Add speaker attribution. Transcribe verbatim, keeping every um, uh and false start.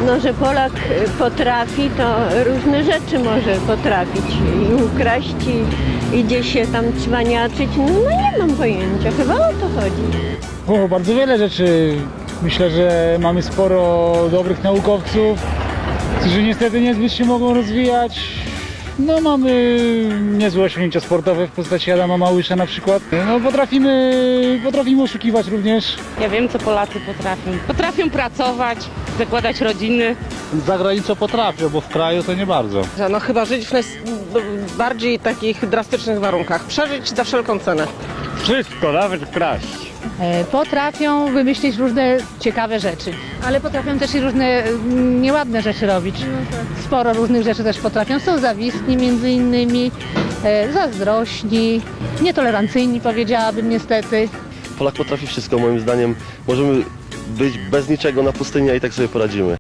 Speaker 1: No, że Polak potrafi, to różne rzeczy może potrafić i ukraść i, i gdzieś się tam cwaniaczyć. No, no nie mam pojęcia, chyba o to chodzi.
Speaker 2: O, bardzo wiele rzeczy. Myślę, że mamy sporo dobrych naukowców, którzy niestety niezbyt się mogą rozwijać. No, mamy niezłe osiągnięcia sportowe w postaci Adama Małysza na przykład. No, potrafimy, potrafimy oszukiwać również.
Speaker 3: Ja wiem, co Polacy potrafią. Potrafią pracować, zakładać rodziny.
Speaker 4: Za granicą potrafią, bo w kraju to nie bardzo.
Speaker 5: No chyba żyć w naj- bardziej takich drastycznych warunkach. Przeżyć za wszelką cenę.
Speaker 4: Wszystko, nawet kraść.
Speaker 6: Potrafią wymyślić różne ciekawe rzeczy, ale potrafią też i różne mm, nieładne rzeczy robić. Sporo różnych rzeczy też potrafią. Są zawistni między innymi, e, zazdrośni, nietolerancyjni powiedziałabym niestety.
Speaker 7: Polak potrafi wszystko moim zdaniem. Możemy być bez niczego na pustyni, a i tak sobie poradzimy.